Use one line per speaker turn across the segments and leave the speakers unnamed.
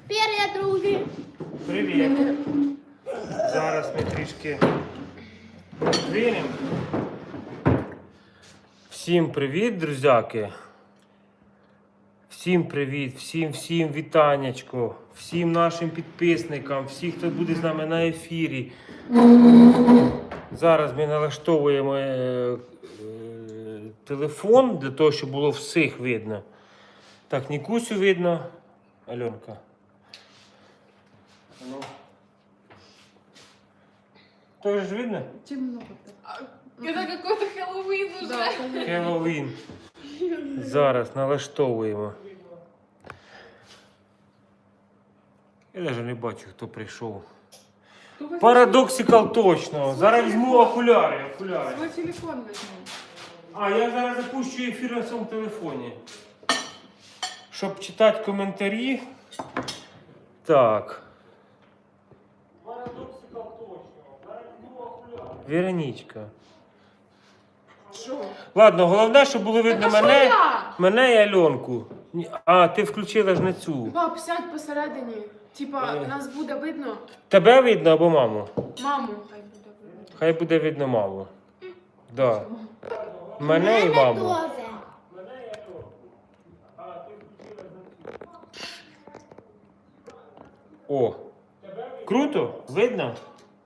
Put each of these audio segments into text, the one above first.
Привіт, друзі!
Привіт! Зараз ми трішки роздвинемо. Всім привіт, друзяки! Всім привіт, всім вітаннячко, всім нашим підписникам, всім, хто буде з нами на ефірі. Зараз ми налаштовуємо телефон для того, щоб було всіх видно. Так, Нікусю видно. Альонка. Ну. Тоже ж видно?
Темно.
Это какой-то Хэллоуин уже.
Да,
Хеллоуін. Зараз налаштовуємо. Я навіть не бачу, хто прийшов. Парадоксикал точно. Зараз візьму окуляри.
Свой телефон возьму.
А, я зараз запущу ефір на своєму телефоні. Щоб читати коментарі. Так. Парадоксикал точно. Зараз візьму окуляри. Вероничка.
Що?
Ладно, головне, щоб було видно
Так, а
мене,
що я?
мене і Альонку. А, ти включила ж не цю.
Баб, сядь посередині. Типа, нас буде видно.
Тебе видно або маму?
Маму хай буде видно.
Хай буде видно маму. Да. Мене і маму.
Тоже.
О. Круто? Видно?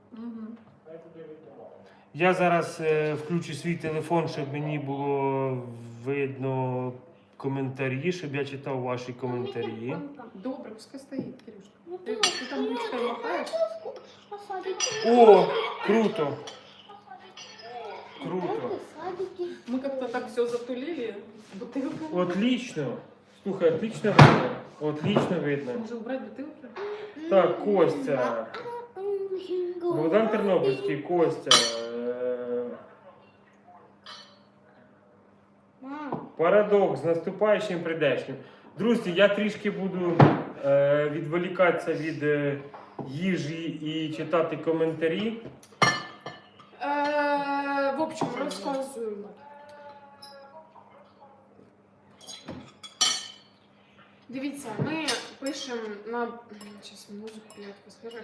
Я зараз включу свій телефон, щоб мені було видно коментарі, щоб я читав ваші коментарі.
Добре, пускай стоїть, Кирюшка. Ти там ручкою махаєш?
О, круто. Круто.
Мы как-то так все затулили. Бутылка.
Отлично. Слухай, отлично видно. Отлично видно.
Може убрать бутылки?
Так, Костя. Богдан Тернопільський, Костя. Парадокс з наступаючим прийдешнім. Друзі, я трішки буду відволікатися від їжі і читати коментарі.
В общем, розказую. Дивіться, ми пишемо на... Сейчас музыку блядь, послушаю.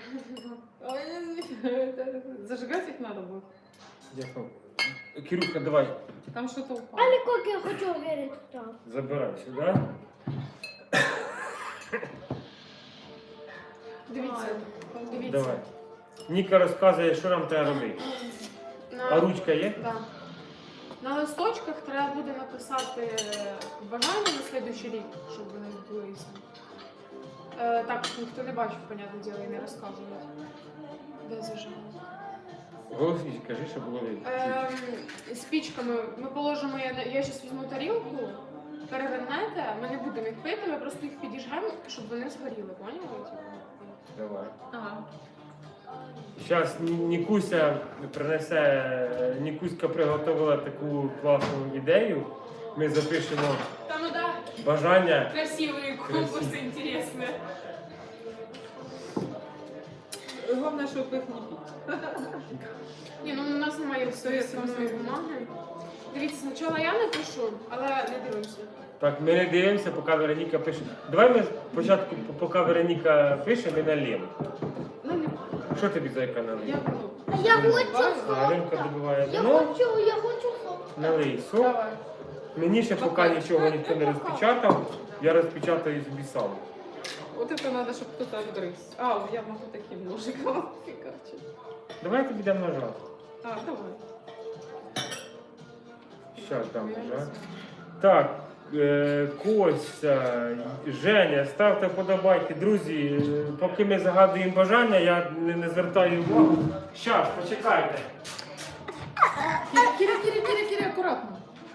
Зажигать их надо будет.
Дякую. Кирюха, давай,
Там что-то упало.
Але як я хочу вірити так.
забирай сюди.
Дивіться, дивіться.
Давай. Ніка розказує, що нам треба робити. А ручка є?
Да. На листочках треба буде написати бажання на слідуючий рік, щоб вони збулися. Так, ніхто не бачив, понятне діло, і не розказують. Де зажали?
Голосніше кажи, щоб було видно.
Спічками ми положимо, я зараз візьму тарілку, перевернете, ми не будемо їх пити, ми просто їх підіжгаємо, щоб вони згоріли, поняли?
Давай.
Ага.
Зараз Нікуся принесе, Нікуська приготувала таку класну ідею. Ми запишемо
Там, ну да,
бажання.
красивые конкурсы интересные. Главное, чтобы их не пить. Ні, ну у нас немає всієї самої бумаги. Дивіться, спочатку я напишу, але не дивимося.
Так, ми не дивимося, поки Вероніка пише. Давай ми спочатку, поки Вероніка пише, ми налємо.
Ну, не
Що тобі за яка налив?
я буду.
А я хочу
Галинка добиває
Я
вино,
хочу сок.
налий сок.
Давай.
Мені ще поки нічого ніхто не розпечатав, я розпечатаю собі сам.
Вот это надо, чтобы кто-то отгрыз. А, я могу таким ножиком фигачить.
Давай я тобі дам ножа.
А, давай.
Щас дам ножа. Так, Костя, Женя, ставте вподобайки. Друзі, поки ми загадуємо бажання, я не звертаю увагу. Щас, почекайте.
Киря, аккуратно.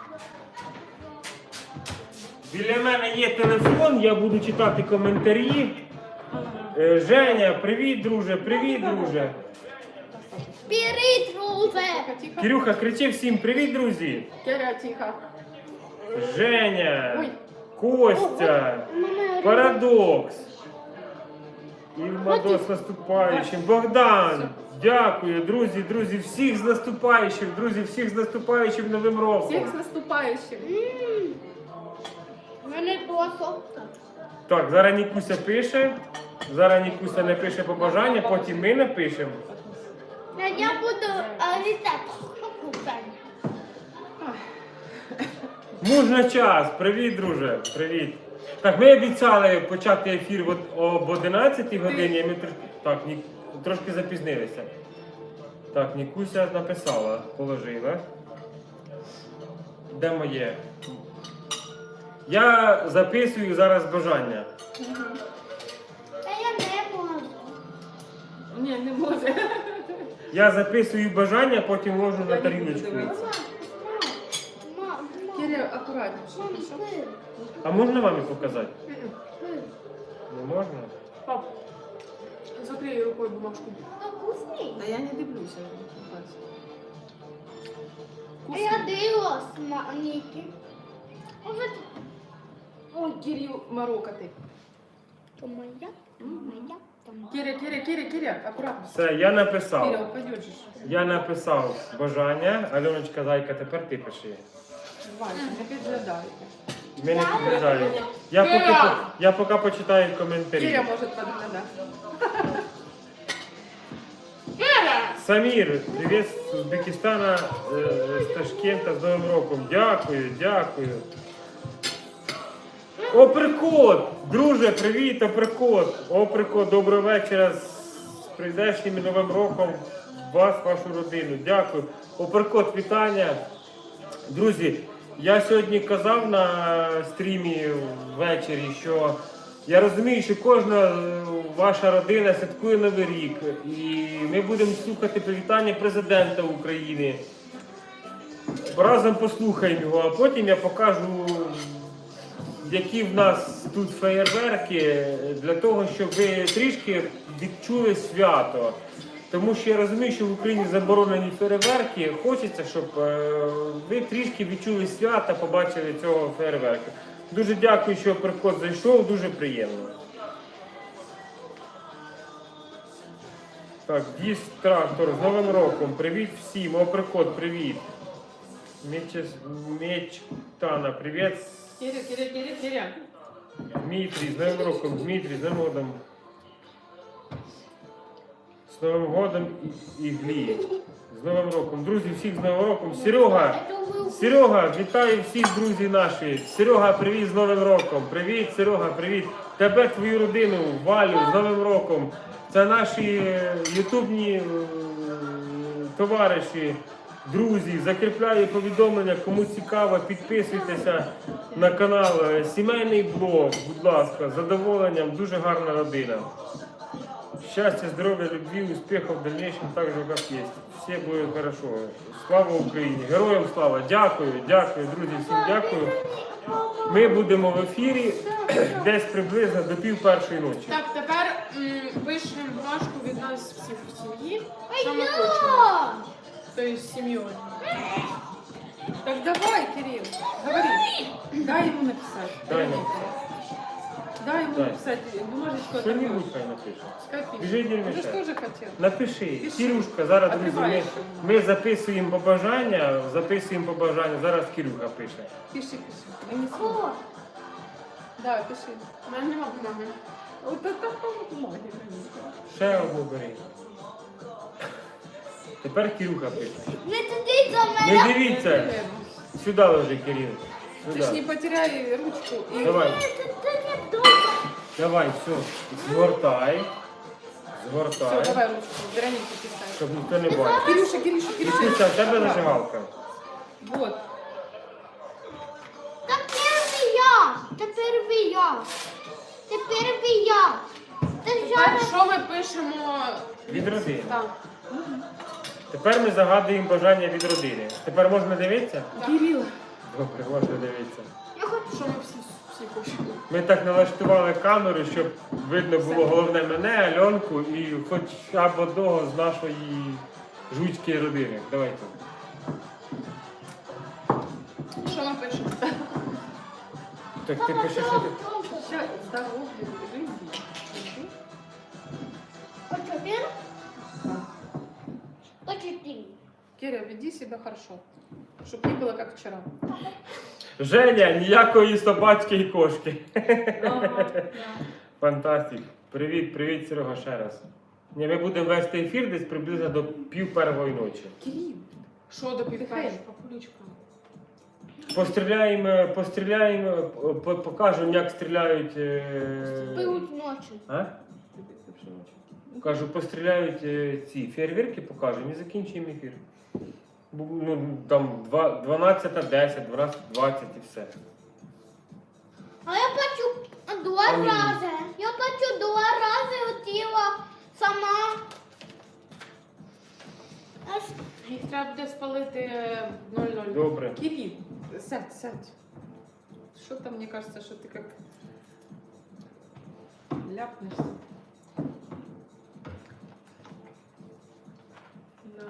Біля мене є телефон, я буду читати коментарі. Женя, привіт, друже, привіт, друже.
Привіт, друже.
Тихо, тихо.
Кирюха, кричи всім привіт, друзі.
Киря, тихо.
Женя,
Ой.
Костя, Парадокс. І Мадо з наступаючим. Богдан, дякую, друзі, всіх з наступаючим, друзі, всіх з наступаючим Новим роком.
Всех с наступающим.
У мене то сок.
Так, зараз Нікуся пише. Зараз Нікуся напише побажання, потім ми напишемо.
Я буду рецепт купити.
Мужна час. Привіт, друже. Привіт. Так, ми обіцяли почати ефір об 11 годині, а ми трошки запізнилися. Так, Нікуся написала, положила. Де моє? Я записую зараз бажання.
Та я не можу.
Ні, не може.
Я записую бажання, потім ложу на тарілочку.
Мама,
Киря, акуратніше.
мама,
хорошо?
пий.
А можна мамі показати?
Пий.
Не можна?
Пап, закрий рукою бумажку.
Вкусний.
Та я не дивлюся.
А я дивилась на Нікі.
Ой, Кирил, морока ти.
То моя, то моя, то моя.
Киря, акуратно.
Все, я написав.
Киря, упадеш же.
Я написав бажання. Альоночка, зайка, тепер ти пиши.
Вася, не підглядайте.
Ми не
Я
підглядаємо. Я поки почитаю коментарі.
Киря може підглядати.
Самір, привіт з Узбекистана, з Ташкента, з Новим роком. Дякую, дякую. Оприкот! Друже, привіт, Оприкот! Оприкот, доброго вечора з прийдешнім і Новим роком вас, вашу родину. Дякую. Оприкот, вітання. Друзі, я сьогодні казав на стрімі ввечері, що я розумію, що кожна ваша родина святкує Новий рік. І ми будемо слухати привітання президента України. Разом послухаємо його, а потім я покажу, які в нас тут феєрверки, для того, щоб ви трішки відчули свято. Тому що я розумію, що в Україні заборонені фейерверки. Хочеться, щоб ви трішки відчули свято, побачили цього фейерверку. Дуже дякую, що приход зайшов, дуже приємно. Так, Діс Трактор з Новим роком. Привіт всім. О, приход, привіт. Мечтана, привіт.
Киря.
Дмитрій, з Новим роком, Дмитрій, з Новим годом. З Новим годом і Глі. З Новим роком. Друзі, всіх з Новим роком. Серега, вітаю всіх друзів наші. Серега, привіт з Новим роком. Привіт, Серега, привіт. Тебе, твою родину, Валю, з Новим роком. Це наші ютубні товариші, друзі. Закріпляю повідомлення, кому цікаво, підписуйтеся на канал. Сімейний блог, будь ласка, з задоволенням, дуже гарна родина. Счастья, здоровья, любви, успехов в дальнейшем, так же, как есть. Все будет хорошо. Слава Україні! Героям слава! Дякую, друзі, всім дякую. Ми будемо в ефірі десь приблизно до 1:30 ночі.
Так, тепер пишемо бумажку від нас всіх в сім'ї, що ми хочемо. Тобто з сім'єю.
Так давай, Кирилл, говори. Дай ему написать.
Дай
Дай ему
Дай.
написать бумажечку.
Що-нибудь хай напише.
Скопи.
Біжи, не
Ты же
мешай.
тоже хотел.
Напиши.
Пиши.
Кирюшка, зараз, друзі,
Откриваєш.
ми записуємо побажання, зараз Кирюха пише.
Пиши. Я не слышу.
О,
Да, пиши.
У мене нема бумаги.
Вот это бумаги.
Ще одну бери. Тепер Кирюха пише.
не туди за
Не
мене.
дивіться. Сюди ложи, Кирил.
Ты ж не
Сюди.
потеряй ручку. И...
Давай.
Це не добре.
Давай, все. Згортай.
Все,
Згортай.
давай ручку. Веронике писать.
Щоб ніхто не бачив.
Кирюша.
Кирюша, в тебе зажигалка.
Вот.
Тепер я. Ти
Тепер
зараз.
що ми пишемо?
Від родини.
Так.
Тепер ми загадуємо бажання від родини. Тепер можна дивитися?
Кирилл.
Добре, можна дивитися.
Я хочу.
Що ми всі хочемо?
Ми так налаштували камеру, щоб видно було головне мене, Альонку і хоча б одного з нашої жуцької родини. Давайте.
Що ми пишемо?
Так ти пишеш, що ти.
Сейчас здоровье, жизни.
Почти.
Киря, веди себя хорошо. Чтоб не было как вчера.
Женя, ніякої собачки і кошки.
Ага.
Фантастик. Привіт, привіт, Серега, ще раз. Ні, ми будемо вести ефір десь приблизно до 1:30 ночі.
Кирилл.
Що до півпершого, папулечка?
Постріляємо, покажемо, як стріляють.
Пилуть ночі.
А? Кажу, постріляють ці фейерверки, покажемо і закінчуємо ефір. Ну, там 12:10, 12:20 і все.
А я плачу 2
Амінь.
рази. Я плачу 2 рази хотіла сама. Аж
Їх треба буде спалити 0:00.
Добре.
Кирилл, сядь, сядь. Что-то мне кажется, что ты как ляпнешься.
Да.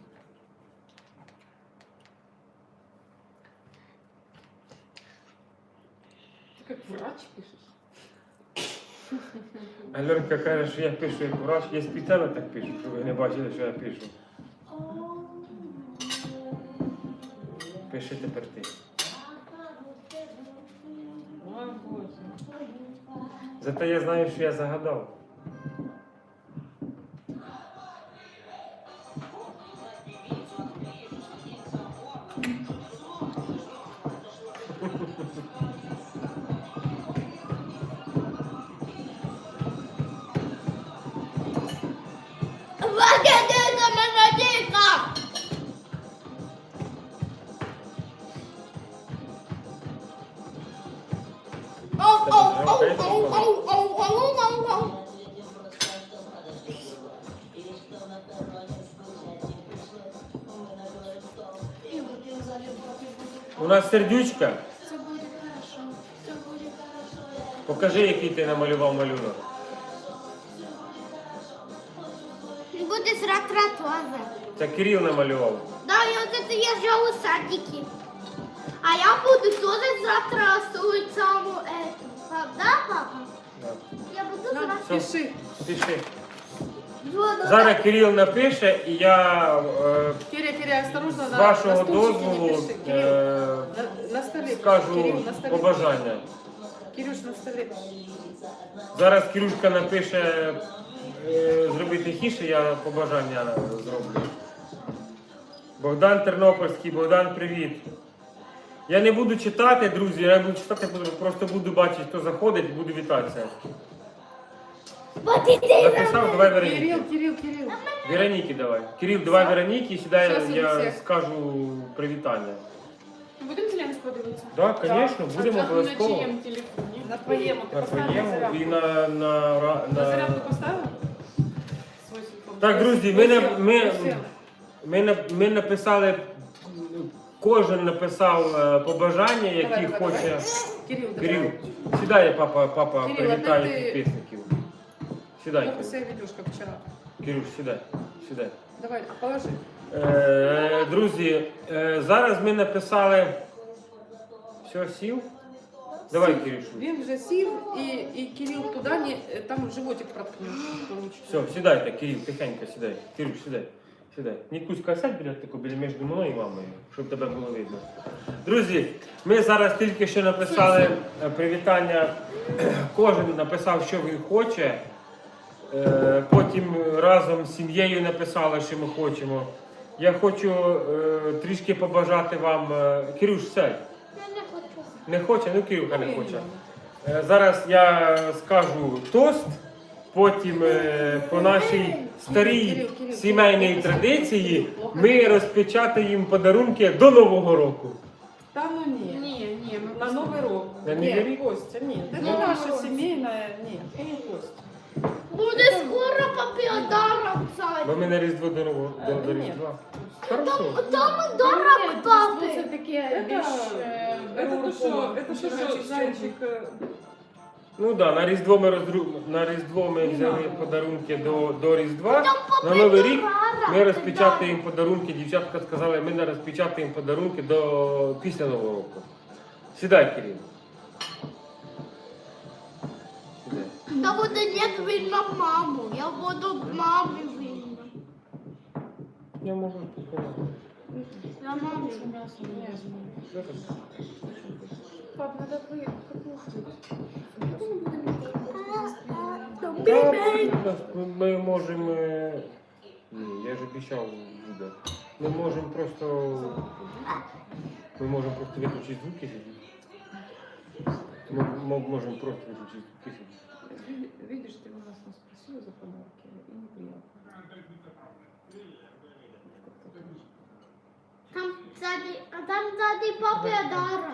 Ты как врач пишешь.
Альонка каже, що я пишу як врач, я спеціально так пишу, щоб ви не бачили, що я пишу. Пиши тепер ти.
Ой, боже.
Зате я знаю, що я загадав.
вагедеться мене. Оу, оу, оу, оу, оу, оу, оу, оу, оу.
У нас сердючка.
Це буде хорошо. Це буде хорошо.
Покажи, який ти намалював малюнок.
Буде зратратоза.
Це Кирил намалював.
Да, я вот это езжал в садике. А я буду тоже завтра рисовать саму эту. Да, папа?
Да.
Я буду
На,
завтра.
Пиши.
Пиши.
Вот,
Зараз Кирил напише, і я
Киря, осторожно,
з
на
вашого
стульчике не
дозволу
пиши. Кирилл, на столе пиши.
скажу
Кирилл, на столе.
побажання.
Кирюш, на столе пиши.
Зараз Кирюшка напише зробити тихіше, я побажання зроблю. Богдан Тернопільський, Богдан, привіт. Я не буду читати, друзі, я не буду читати, просто буду бачити, хто заходить і буду вітатися.
Вот иди.
Написав, давай Вероніки.
Кирилл.
Вероніки давай. Кирил, давай Вероніки, сідай,
Щас
я
Олексій.
скажу привітання.
Будемо Зеленського дивитися?
Так, звісно, будемо
На
обов'язково.
чиєму телефоні?
На твоєму. Ти
На
поставила
твоєму
зарядку?
і
На зарядку поставила? Свой телефон.
Так, друзі, ми написали, кожен написав побажання, які
Давай.
хоче.
Кирилл,
Кирил, сідай, папа
Кирил,
привітає
а ти-
підписників. Сідай,
Плохо
Кирил.
себя ведешь, как вчера.
Кирюш, сідай.
Давай, положи.
Друзі, зараз ми написали. Все, сів? Давай, Кирюшу.
Він вже сів, і Кирилл туди, там животик проткнеш.
Все, сідайте, Кирил, тихенько сідай. Кирюш, сідай. Нікуська, сядь біля між мною і мамою, щоб тебе було видно. Друзі, ми зараз тільки що написали привітання. Кожен написав, що він хоче. Потім разом з сім'єю написали, що ми хочемо. Я хочу трішки побажати вам. Кирюш, сядь.
Я не хочу.
Не хоче? Ну, Кирюха не хоче. Зараз я скажу тост, потім по нашій старій сімейній традиції ми розпечатаємо подарунки до Нового року.
Та ну ні.
Ні, ми
На Новий рік.
На
Ні,
Новий рік?
Костя, ні. Це
Ну,
не наша
Костя.
сімейна, ні. Це не Костя.
Буде скоро подарок,
Бо
Сань.
ми на Різдво до
Ні.
Різдва. Хорошо.
Там дарок
Це
папи.
таке більш
Это то, що зайчик.
Ну так, на Різдво ми взяли подарунки до Різдва. На Новий рік ми розпечатаємо подарунки. Дівчатка сказали, ми не розпечатаємо подарунки після Нового року. Сідай, Кирил. Сідай.
Я буду не винна маму. Я буду мамі винна.
Я можу показати.
Я мамі.
Що там?
Пап, надо покушать.
Ми можемо. Ні, я ж обіцяв буде. Ми можемо просто. Ми можемо просто виключити звуки. Ми можемо просто виключити звуки.
Видишь, ты у нас спросила за подарки, и неприятно.
Там ззаді папір.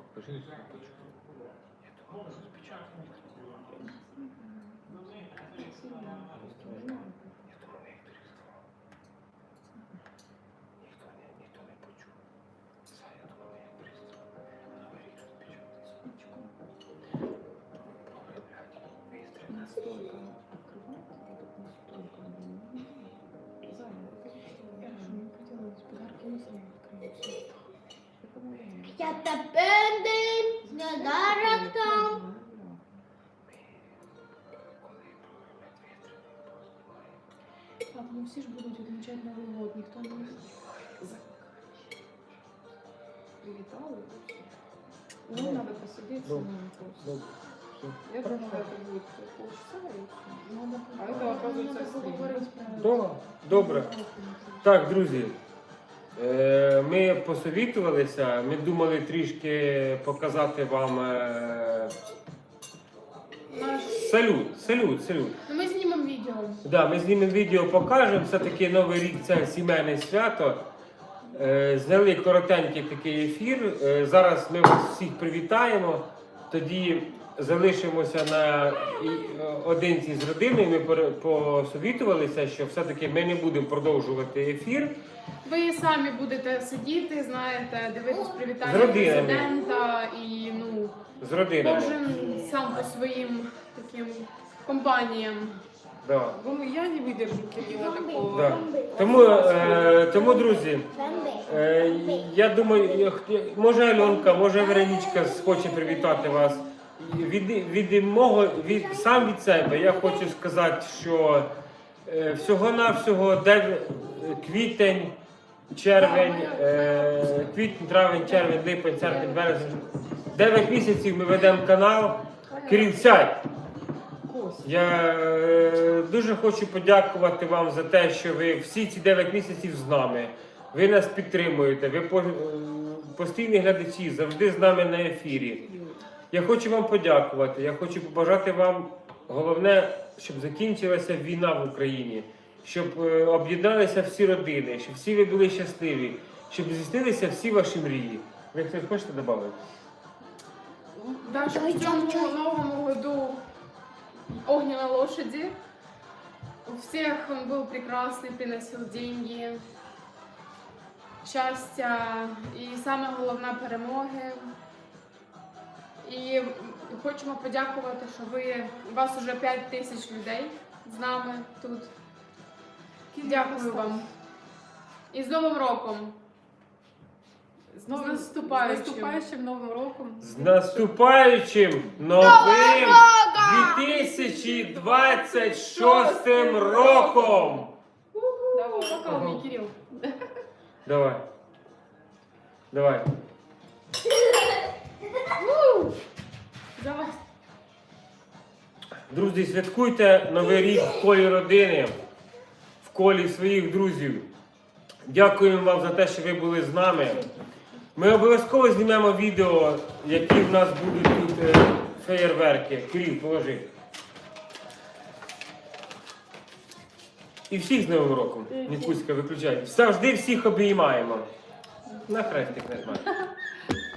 Настолько открывать, вот настолько. Зайна, я же не хотела подарки, мы сами откроем.
Я тепер недалеко.
Пап, ну все же будут отмечать Новый год, никто не привитал. Ну, надо посидеть с ним просто. Я думала, это будет полчаса и все. А это, оказывается, стрим.
Добре. Так, друзі. Ми посовітувалися, ми думали трішки показати вам салют.
Ну, ми знімемо відео.
Да, ми знімемо відео, покажемо. Все-таки Новий рік це сімейне свято. Зняли коротенький такий ефір. Зараз ми вас всіх привітаємо. Тоді залишимося наодинці з родиною. Ми посовітувалися, що все-таки ми не будемо продовжувати ефір.
Ви самі будете сидіти, знаєте, дивитись
З
привітання
родинами.
президента і, ну,
З родинами.
кожен сам по своїм таким компаніям.
Да.
Ну, я не выдержу Кирилла такого.
Да. Тому, друзі, я думаю, може Альонка, може Веронічка хоче привітати вас. Сам від себе я хочу сказати, що всього-навсього квітень, червень, травень, червень, липень, серпень, березень. 9 місяців ми ведемо канал. Кирил, сядь! Я дуже хочу подякувати вам за те, що ви всі ці 9 місяців з нами. Ви нас підтримуєте, ви постійні глядачі, завжди з нами на ефірі. Я хочу вам подякувати, я хочу побажати вам, головне, щоб закінчилася війна в Україні, щоб об'єдналися всі родини, щоб всі ви були щасливі, щоб здійснилися всі ваші мрії. Ви хтось хочете додати?
Даже в цьому новому году огненной лошади. У всех он был прекрасный, приносил деньги, щастя і саме головне перемоги. І хочемо подякувати, що вас уже 5 тисяч людей з нами тут. Дякую вам. І з Новим роком!
З
наступаючим
Новим роком.
З наступаючим новим 2026 роком!
Пока, мій Кирил.
Давай. Давай.
Давай.
Друзі, святкуйте Новий рік в колі родини, в колі своїх друзів. Дякуємо вам за те, що ви були з нами. Ми обов'язково знімемо відео, які в нас будуть тут феєрверки. Кирил, положи. І всіх з Новим роком. Нікуська, виключай. Завжди всіх обіймаємо. На хрестик нажимай.